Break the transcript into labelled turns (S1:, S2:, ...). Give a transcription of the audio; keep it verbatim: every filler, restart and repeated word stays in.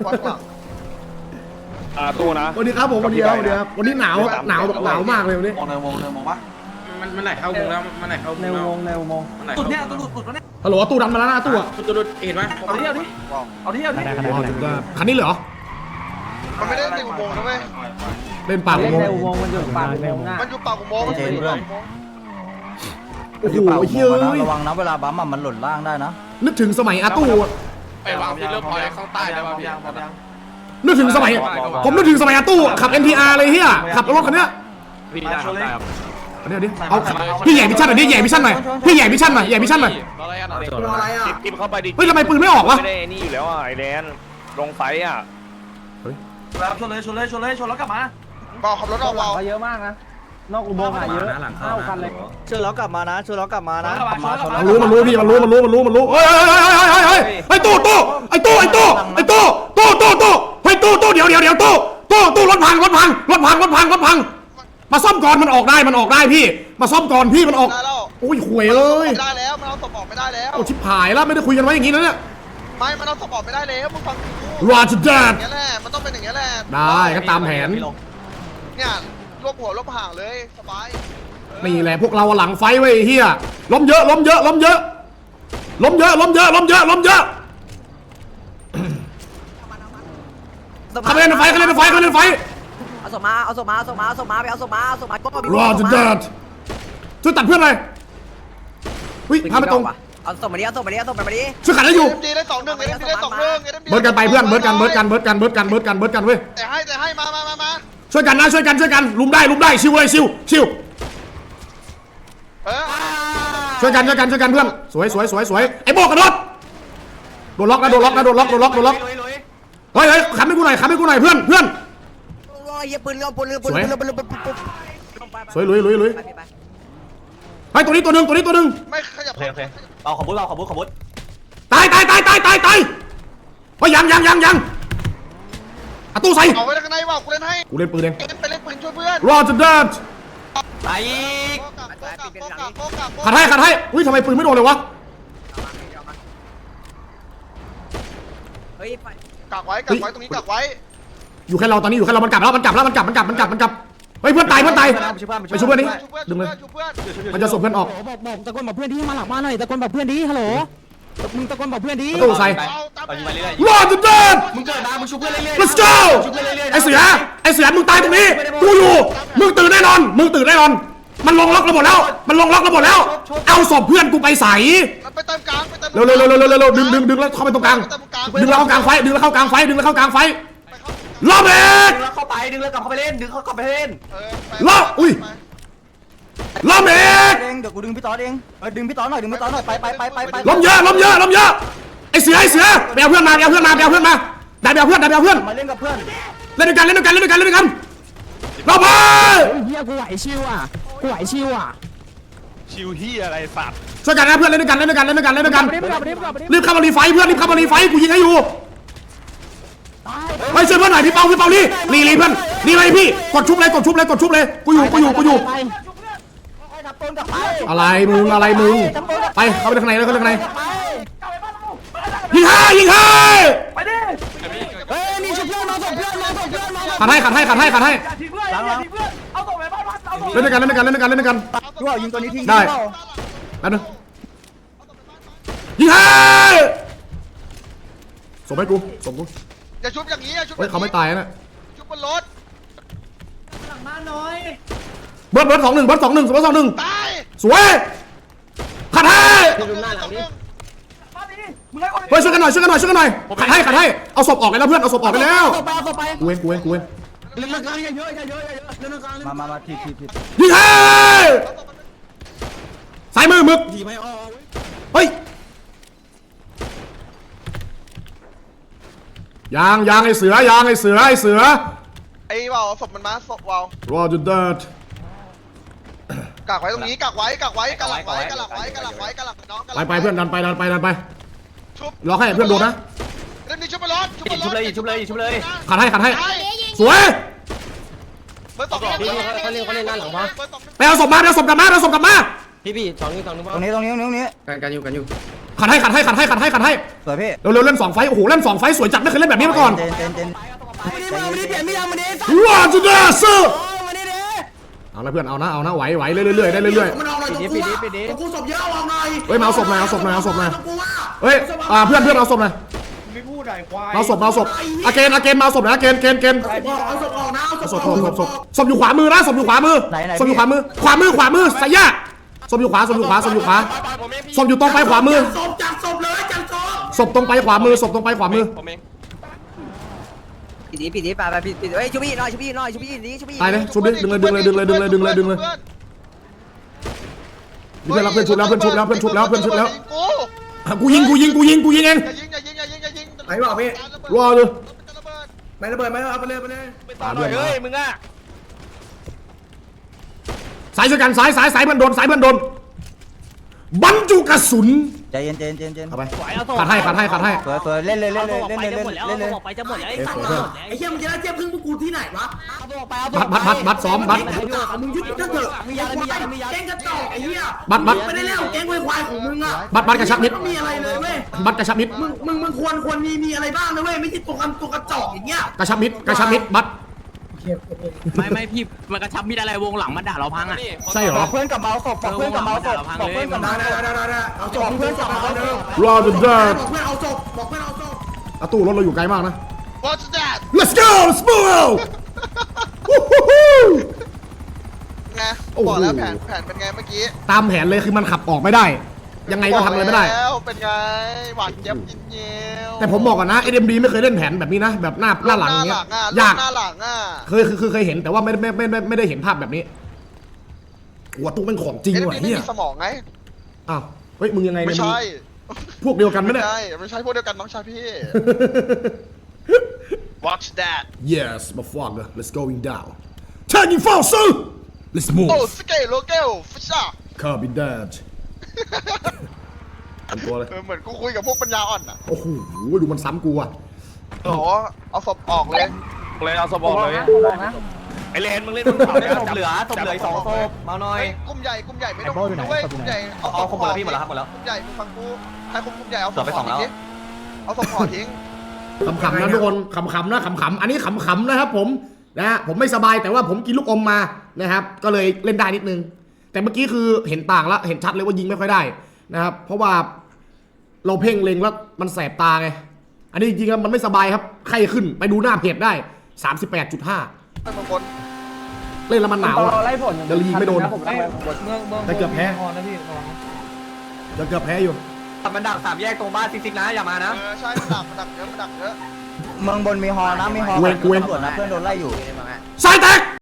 S1: วัดหลัง
S2: อ่าตู้นะ
S3: วันนี้ครับผมวันนี้ครับวันนี้ครับวันนี้หนาวหนาวหนาวมากเลยวันนี้
S4: มองในวงในวงปะ
S5: มันมันไหลเข้าวงแล้วมันไหลเข้าวง
S4: ใน
S5: แล้ว
S4: วงในวง
S5: มันไหล
S4: ตุ
S5: เข้า
S4: ดเนี่ยตุดตุดตุดเนี่ย
S3: ฮัลโหลตู้ดันมาแล้วนะตู้อะ
S5: ตุดตุดเห็นไหม
S4: เอาที่เอาที่เอาที่เอาที่
S3: คันนี้เหรอ
S1: มันไม่ได้ในอุโมงค์นะเว้ย
S3: เล่นปากอุโมงค์
S4: มันอยู่ปากอุโมงค์
S1: มันอยู่ปากอุโมงค์มันอยู่ปากอุโมงค์
S3: โอ้โหเฮ้ย
S4: ระวังนะเวลาบัมมันหล่นล่างได้นะ
S3: นึกถึงสมัยอาตู้อะ
S5: ไปวางฟิลเลอร์พอยต์ข้างใต้ได้ป่ะพี่
S3: นึกถึงสมัยผมนึกถึงสมัยอาตู้ขับ เอ็น ที อาร์ เลยเฮียขับรถคันเนี้ย
S5: พี่ได้ครับได้ครับ
S3: อันนี้ดิเอาพี่ใหญ่มิชชั่นหน่อยดิใหญ่มิชชั่นหน่อยพี่ใหญ่มิชชั่นหน่อยใหญ่มิชชั่นหน่อย
S5: อะไรอ่ะ
S2: อะไรอ่ะทิปเข้าไปดิ
S3: เฮ้ยทำไมปืนไม่ออกวะ
S2: ไม่ได้นี่อยู่แล้วอ่ะไอแดนลงไฟอ่ะ
S4: แล้วชนเลยชนเลยชนเลยชนแล้วกลับมา
S1: เบาขับรถออกเบา
S4: เยอะมากนะนอกอุโมงค์อะเยอะเท่ากันเลย
S6: ช่วยล้อกลับมานะช่วยล้อกลับมานะ
S4: กลับมาชน
S3: มันรู้มันรู้พี่มันรู้มันรู้มันรู้มันรู้เฮ้ยเฮ้ยเฮ้ยเฮ้ยเฮ้ยไอ้ตู้ตู้ไอ้ตู้ไอ้ตู้ไอ้ตู้ตู้ตู้ตู้เฮ้ยตู้ตู้เดี๋ยวเดี๋ยวเดี๋ยวตู้ตู้ตู้รถพังรถพังรถพังรถพังรถพังมาซ่อมก่อนมันออกได้มันออกได้พี่มาซ่อมก่อนพี่มันออก
S1: ได้แล้ว
S3: โอ้ยห่วยเอ้ย
S1: ไม่ได้แล้วมันเอาศพออกไม่ได้แล้ว
S3: เอาชิบหายแล้วไม่ได้คุยกันไว้อย่างนี้นะเนี่ย
S1: ไม่มันเอาศพออกไม่ได้แล้วมึงฟังกู
S3: รอจุดแด
S1: อ
S3: ด
S1: ย่างเงี้ยแหละมันต้องเป็นอย่างเงี้ยแหละ
S3: ได้ก็ตามแผน
S1: เนี่ยรวบหัวรวบห่างเลยสบาย
S3: นี่แหละพวกเราหลังไฟไว้เฮียล้มเยอะล้มเยอะล้มเยอะล้มเยอะล้มเยอะล้มเยอะล้มเยอะเข้าไปเล่นในไฟเข้าไปเล่นในไฟเข้าไปเล่นในไฟ
S6: เอาศพมาเอาศพมาเอาศพมาเอาศพมาไปเอาศพมาเอาศพมาก็มี
S3: รอจุดแดดช่วยตัดเพื่อนเลยวิ่งพาไปตรง
S6: เอาศพมาดิเอาศพมาดิเอาศพมาดิ
S3: ช่วยขัดให้อยู่
S1: เอ็มดีได้สองหนึ่งเอ็มดีได้สองหนึ่ง
S3: เบิร์ดกันไปเพื่อนเบิร์ดกันเบิร์ดกันเบิร์ดกันเบิร์ดกันเบิร์ดกันเบิร์ดกันเว้ย
S1: แต่ให้แต่ให้มามามามา
S3: ช่วยกันนะช่วยกันช่วยกันลุมได้ลุมได้ชิวเลยชิวชิว
S1: เออ
S3: ช่วยกันช่วยกันช่วยกันเพื่อนสวยสวยสวยสวยไอ้โบกกระโดดโดนล็อกนะโดนล็อกนะโดนล็อกโดนล็อกโดนล็อกเฮ้ยเฮ้ยขับให้กูหน่อยขับให้กูหน่อยเพื่อนเพื่อน
S6: โอ้ยปืนเรือปืนเรือปืนเรือปืนเรือปืน
S3: สวยลุยลุยลุยเฮ้ยตัวนี้ตัวหนึ่งตัวนี้ตัวหนึ่ง
S1: ไม่ขยับ
S4: โอเคโอเคเอาขบุญเอาขบุญขบุญ
S3: ตายตายตายตายตายตายเฮ้ยยังยังยังยังอะตู้ใส่
S1: เอาไว้ข้างในว่ากูเล่นให้
S3: กูเล่นปืนเอง
S1: เอ็นไปเล่นปืนช่วยเพื่อน
S3: รอจุดแดด
S4: ตายอีก
S1: โกกะโกกะโกกะโกกะ
S3: ขัดให้ขัดให้อุ้ยทำไมปืนไม่โดนเลยวะ
S6: เฮ้ย
S1: กักไว้กักไว้ตรงนี้กักไว้
S3: อยู่แค่เราตอนนี้อยู่แค่เรามันกลับแล้วมันกลับแล้วมันกลับมันกลับมันกลับมันกลับเฮ้ยเพื่อนตายเพื่อนตายไปช่วยเพื่อนนี้
S1: ช่วยเพื่อน
S3: ดึงเลย
S1: ช่วยเพื่อน
S3: มันจะส่งเพื่อนออก
S7: บอกบอกตะโกนบอกเพื่อนดิมาหลังบ้านหน่อยตะโกนบอกเพื่อนดิฮัลโหลมึงตะโกนบอกเพื่อนดิ
S3: ตู้ใส่
S1: เอาตาม
S4: เอายิงไปเรื่อย
S3: รอจุดแดด
S4: มึงเกิดมามึงชุบเพื่อนเรื่อย
S3: let's go ไอเสือไอเสือมึงตายตรงนี้กูอยู่มึงตื่นแน่นอนมึงตื่นแน่นอนมันลงล็อกเราหมดแล้วมันลงล็อกเราหมดแล้วเอาศพเพื่อนกูไปใส่
S1: ไปเติมกลางไปเติม
S3: เร็วเร็วเร็วเร็วเร็วเร็วดึงดึงดึงแล้วเข้าไปตรงกลางดึงแล้วเข้ากลางไฟดึงแล้วเข้ากลางไฟดึงแล้วเข้ากลางไฟรอบเอก
S4: ดึงแล้วเข้าไปดึงแล้วกลับเข้าไปเล่นดึงเขากลับไปเล่น
S3: รอบอุ้ยรอบเอก
S6: เองเดี๋ยวกูดึงพี่ต๊อดเองเออดึงพี่ต๊อดหน่อยดึงพี่ต๊อดหน่อยไปไปไปไปไป
S3: ล้มเยอะล้มเยอะล้มเยอะไอเสือไอเสือไปเอาเพื่อนมาไปเอาเพื่อนมาไปเอาเพื่อนมาได้ไปเอาเพื่อนได้ไปเอาเพื่อน
S6: มาเล่นกับเพื่อน
S3: เล่นด้วยกันเล่นด้วยกันเล่นด้วยกันเล่นด้วยกันรอบไป
S7: เฮียกูไหวชิวอ่ะกูไหวชิวอ่ะ
S2: ชิวเฮียอะไรสัตว์
S3: ช่วยกันนะเพื่อนเล่นด้วยกันเล่นด้วยกันเล่นด้วยกันเล่นด้วยกัน
S7: รีบกลับรีบกลับรีบ
S3: รีบเข้ามารีไฟเพื่อนรีบเข้ามารีไฟกูยิงให้อยู่ไปช่วยเพื่อนหน่อยพี่เปาพี่เปานี่รีรีเพื่อนรีเลยพี่กดชุบเลยกดชุบเลยกดชุบเลยกูอยู่กูอยู่กูอยู่อะไรมึงอะไรมึงไปเข้าไปข้างในเลยเข้าไปข้างในยิงให้ยิงให้
S4: ไปดิ
S7: เฮ้ยนี่ช่วยเพื่อนมาส่งเพื่อนมาส่งเพื่อนมา
S3: ขัดให้ขัดให้ขัดให้ขัดให้
S4: ทีเพื่อนทีเพื่อนเอาส่งไปบ้านเอาส่ง
S3: เล่นด้วยกันเล่นด้วยกันเล่นด้วยกันเล่นด้วยกัน
S6: กูเอายิงตัวนี้ทิ้ง
S3: ได้แล้วนึงยิงให้ส่งให้กูส่งกู
S1: อย่าชุบอย่างนี้อย่าชุบ
S3: เฮ้ยเขาไม่ตายนะ
S1: ชุบบนรถ
S3: เบิร์ดเบิร์ดสองหนึ่งเบิร์ดสองหนึ่งเบิร์ดสองหนึ่ง
S1: ตาย
S3: สวยขัดให้
S4: มึงให้คน
S3: เฮ้ยช่วยกันหน่อยช่วยกันหน่อยช่วยกันหน่อยขัดให้ขัดให้เอาศพออกไปแล้วเพื่อนเอาศพออกไปแล้ว
S7: ต่อไปต่อไป
S3: กูเองกูเองกูเอง
S7: เล่นกลางเยอะเยอะเยอะเยอะเล่นกลาง
S6: มามามาทีทีที
S3: ยิงให้สายมือมึก
S7: ทีไม่ออก
S3: เฮ้ยยางยางไอเสือยางไอเสือไอเสือ
S1: ไอ้เบาศพมันมาศพเบาร
S3: อจุดเดิด
S1: กักไว้ตรงนี้กักไว้กักไว้กักหลักไว้กักหลักไว้กักหลักไว้กักหลักน้อง
S3: ไปไปเพื่อนดันไปดันไปดันไป
S1: ชุบ
S3: รอให้เพื่อนโดนนะ
S1: เล่นนี่ชุบบนรถชุบบนรถ
S4: ชุบเลยชุบเลยชุบเลย
S3: ขัดให้ขัดให้สวย
S1: เบอร์สองเขาเล่นเขาเล่นเขาเล่นด้านหลังวะ
S3: ไปเอาศพมาไปเอาศพกลับมาไปเอาศพกลับมา
S6: ตรงนี้ตรงนี้ตรงนี้
S5: กันกันอยู่กันอยู่
S3: ขขัดให้ขัดให้ขัดให้ขัดให้ขัดให้
S6: สวยพี่
S3: เร็วๆเล่นสองไฟโอ้โหเล่นสองไฟสวยจัดไม่เคยเล่นแบบนี้มาก่อน
S6: เจนเจนเจน
S3: ว้าวจุดเดสเอาละเพื่อนเอานะเอานะไหวไหวเรื่อยๆได้เรื่อยๆ
S8: มันเอาหน่อยตรงกูอ่ะตรงกูศพเยอะเอาหน่อย
S3: เฮ้ยมาเอาศพหน่อยเอาศพหน่อยเอาศพหน่อย
S8: ตรงกูอ่ะ
S3: เฮ้ยอ่าเพื่อนเพื่อนเอาศพหน่อย
S8: ไม่พูดไหนควาย
S3: เอาศพเอาศพอาเกนอาเกนมาเอาศพนะอาเกนเกนเกน
S8: เอาศพออกนะเอาศ
S3: เอา
S8: พ
S3: ศ
S8: อ
S3: พ
S8: อก
S3: ศพศพศพอยู่ขวามือนะศพอยู่ขวามือศพอยู่ขวามือขวามือขวามือสายยาศพอยู่ขวาศพอยู่ขวาศพอยู่ขวาศพอยู่ตรงไปขวามือ
S8: ศพจับศพเลยจับศพ
S3: ศพตรงไปขวามือศพตรงไปขวามือ
S2: ผมเอง
S6: ปิดดีปิดดีไปไปปิดปิดเฮ้ยชุบพี่หน่อยชุบพี่หน่อยชุบพี่นี้ชุบพี่
S3: ตายเลยชุบดิดึงเลยดึงเลยดึงเลยดึงเลยดึงเลยดึงเลยเพื่อนรับเพื่อนชุบแล้วเพื่อนชุบแล้วเพื่อนชุบแล้วเพื่อนชุบแล้วกูยิงกูยิงกูยิงกูยิงเอง
S1: อย่ายิงอย่ายิงอย่ายิงอย่ายิง
S8: ไหนบอกพี่
S3: รอเลย
S8: ไม่ระเบิดไม่เอาไปเลยไปเลย
S2: ไปต่อหน่อยเฮ้ยมึงอ่ะ
S3: สายช่วยกันสายสายสายเพื่อนโดนสายเพื่อนโดนบรรจุกระสุน
S6: ใจเย็นใจเย็นใจเย็น
S3: เอาไปขัดให้ขัดให้ขัดให้
S6: สวยสวยเล่นเลยเล่นเลยเล่นเลยเล่นเล่นเลย
S7: ไปจะหมดแล้วไอ้
S3: เอ้ย
S7: สัต
S3: ข
S7: ว์
S3: อโทษ
S8: ไอ้เหี้ยมึงจะได้เจ็บพึ่งพวกกูที่ไหนวะ
S3: บัตรบัตรบัตรบัตรซ้อมบัตร
S8: มึงยึดก็เถอะมีอะไรมีอะไรมีอะไรแกงกระจอกไอ้เหี้ย
S3: บัตรบัตร
S8: ไม่ได้เล่นแกงควายของมึงอ่ะ
S3: บัตรบัตรกระชับมิตร
S8: ไม่มีอะไรเลยเว้ย
S3: บัตรกระชับมิตร
S8: มึงมึงมึงควรควรมีมีอะไรบ้างนะเว้ยไม่ใช่ตัวกันตัวกระจอกอย่างเงี้ย
S3: กระชับมิตรกระชับมิตรบัตร
S7: ไม่ไม่พี่มันกระชับมีอะไรวงหลังมันด่าเราพังอ่ะ
S3: ใช่เหรอ
S6: เพื่อนกับเมาส์ศพบอกเพื่อนกับเมาส์ศพบอกเพื่อนกับ
S8: ได้
S6: เมาส์ศ
S8: ได้
S6: พ
S8: ได้ได้เอาศพเพื่อนศพเอาเดิม
S3: รอจนได้
S8: บอกเพื่อนเอาศพบอกเพื่อนเอาศพ
S3: อาตู้รถเราอยู่ไกลมากนะ
S1: What's that
S3: Let's go let's move
S1: ไงบอกแล้วแผนแผนเป็นไงเมื่อกี้
S3: ตามแผนเลยคือมันขับออกไม่ได้ ยังไงก็ทำอะไรไม่ได้
S1: แล้วเป็นไงหวานเจี๊ยบยินเยียว
S3: แต่ผมบอกก่อนนะ เอ็ม ดี ไม่เคยเล่นแผนแบบนี้นะ แบบหน้าหน้าหลังอย่างเงี้ย
S1: อ่ะ
S3: ยาก
S1: หน้าหลังอ่ะ
S3: เคยคือคือเคยเห็นแต่ว่าไม่ไม่ไม่ไม่ไม่ได้เห็นภาพแบบนี้หัวตู้เป็นของจริง
S1: เอ็ม
S3: ว่ะ
S1: ดี
S3: เฮี
S1: ไม่
S3: ย
S1: มีสมองไง
S3: อ้าวเฮ้ยมึงยังไง
S1: ไม่
S3: เนี่ยมึง
S1: ใช่
S3: พวกเดียวกันไหม
S1: ไม่
S3: เนี่ย
S1: ใช่ไม่ใช่พวกเดียวกันน้องชายพี่ Watch that
S3: Yes motherfucker let's going down Turning fall sir Let's move
S1: โอ้สเกลโลเกลฟิชช่า
S3: Copy that อันตัวเลย
S1: เออเหมือนกูคุยกับพวกปัญญาอ่อนอ่ะ
S3: โอ้โหดูมันซ้ำกูอ่ะ
S1: โอ้เอาศพออกเลย
S2: เลยเอาสบอเลยไอเลนมึงเล่นมึงเผาเนี่ย
S4: ศพเหลือศพเหลือสองศพมาหน่อย
S1: เฮ้ยกลุ่มใหญ่กลุ่มใหญ่ไม่ต้องคุมด้วยกลุ่มใหญ่เอาศ
S4: เอา
S1: พ
S4: ครบหมดแล้วพี่หมดแล้วครับหมดแล้ว
S1: กลุ่มใหญ่มึงฟังกูให้คุมกลุ่มใหญ่เอาศ
S4: เหลื
S1: พ
S4: อไป
S1: ห่
S4: ส
S1: อ
S4: องแล้ว
S1: ทิ้งเอาศพห่อทิ้ง
S3: ขำๆนะทุกคนขำๆนะขำๆอันนี้ขำๆนะครับผมนะฮะผมไม่สบายแต่ว่าผมกินลูกอมมานะครับก็เลยเล่นได้นิดนึง แต่เมื่อกี้คือเห็นต่างแล้วเห็นชัดเลยว่ายิงไม่ค่อยได้นะครับเพราะว่าเราเพ่งเล็งแล้วมันแสบตาไงอันนี้จริงๆแล้วมันไม่สบายครับไข้ขึ้นไปดูหน้าเพจได้ สามสิบแปดจุดห้า
S1: ไปบางคน
S3: เล่นแล้วมันหนาวอะเดลีไม่โดน
S4: ผมได้เมืองเมือง
S3: แต่เกือบแพ้จะเกือบแพ้อยู่
S4: มันดักสามแยกตรงบ้านซิกๆนะอย่ามานะ
S1: เออใช่มันดักมันดักเยอะมันดักเยอะ
S6: เมืองบนมีฮอนะมีฮอตำรวจนะเพื่อนโดนไล่อยู่
S3: สายแตก